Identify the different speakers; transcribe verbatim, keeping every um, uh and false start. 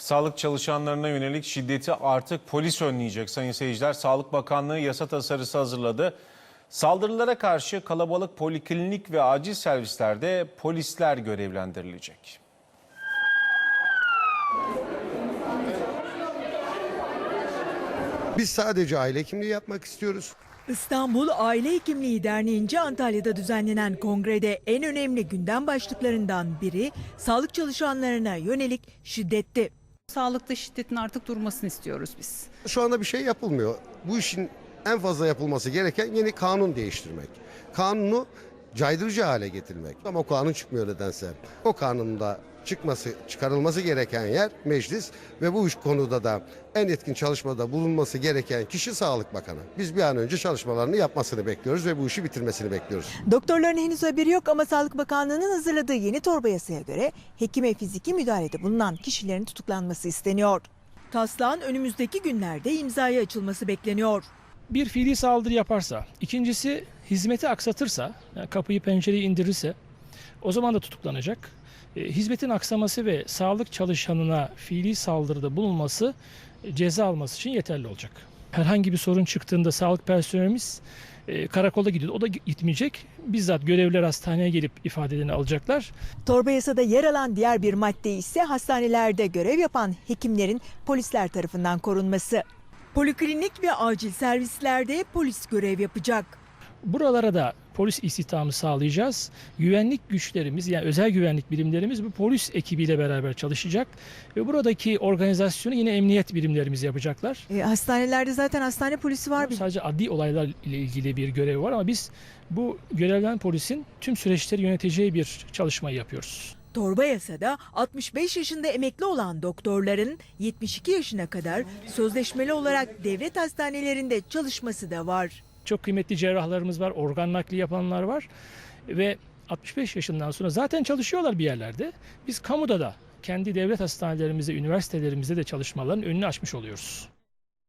Speaker 1: Sağlık çalışanlarına yönelik şiddeti artık polis önleyecek sayın seyirciler. Sağlık Bakanlığı yasa tasarısı hazırladı. Saldırılara karşı kalabalık poliklinik ve acil servislerde polisler görevlendirilecek.
Speaker 2: Biz sadece aile hekimliği yapmak istiyoruz.
Speaker 3: İstanbul Aile Hekimliği Derneği'nce Antalya'da düzenlenen kongrede en önemli gündem başlıklarından biri sağlık çalışanlarına yönelik şiddetti.
Speaker 4: Sağlıkta şiddetin artık durmasını istiyoruz biz.
Speaker 2: Şu anda bir şey yapılmıyor. Bu işin en fazla yapılması gereken yeni kanun değiştirmek. Kanunu caydırıcı hale getirmek. Ama o kanun çıkmıyor nedense. O kanunda çıkması, çıkarılması gereken yer meclis ve bu üç konuda da en etkin çalışmada bulunması gereken kişi Sağlık Bakanı. Biz bir an önce çalışmalarını yapmasını bekliyoruz ve bu işi bitirmesini bekliyoruz.
Speaker 3: Doktorların henüz haberi yok ama Sağlık Bakanlığı'nın hazırladığı yeni torba yasaya göre hekime fiziki müdahalede bulunan kişilerin tutuklanması isteniyor. Taslağın önümüzdeki günlerde imzaya açılması bekleniyor.
Speaker 5: Bir fiili saldırı yaparsa, ikincisi hizmeti aksatırsa, yani kapıyı pencereyi indirirse o zaman da tutuklanacak. E, hizmetin aksaması ve sağlık çalışanına fiili saldırıda bulunması e, ceza alması için yeterli olacak. Herhangi bir sorun çıktığında sağlık personelimiz e, karakola gidiyor. O da gitmeyecek. Bizzat görevliler hastaneye gelip ifadelerini alacaklar.
Speaker 3: Torba yasada yer alan diğer bir madde ise hastanelerde görev yapan hekimlerin polisler tarafından korunması. Poliklinik ve acil servislerde polis görev yapacak.
Speaker 5: Buralara da polis istihdamı sağlayacağız. Güvenlik güçlerimiz, yani özel güvenlik birimlerimiz bu polis ekibiyle beraber çalışacak. Ve buradaki organizasyonu yine emniyet birimlerimiz yapacaklar.
Speaker 3: E, hastanelerde zaten hastane polisi var.
Speaker 5: Sadece adli olaylar ile ilgili bir görev var ama biz bu görevlen polisin tüm süreçleri yöneteceği bir çalışmayı yapıyoruz.
Speaker 3: Torba yasada altmış beş yaşında emekli olan doktorların yetmiş iki yaşına kadar sözleşmeli olarak devlet hastanelerinde çalışması da var.
Speaker 5: Çok kıymetli cerrahlarımız var, organ nakli yapanlar var ve altmış beş yaşından sonra zaten çalışıyorlar bir yerlerde. Biz kamuda da kendi devlet hastanelerimizde, üniversitelerimizde de çalışmaların önünü açmış oluyoruz.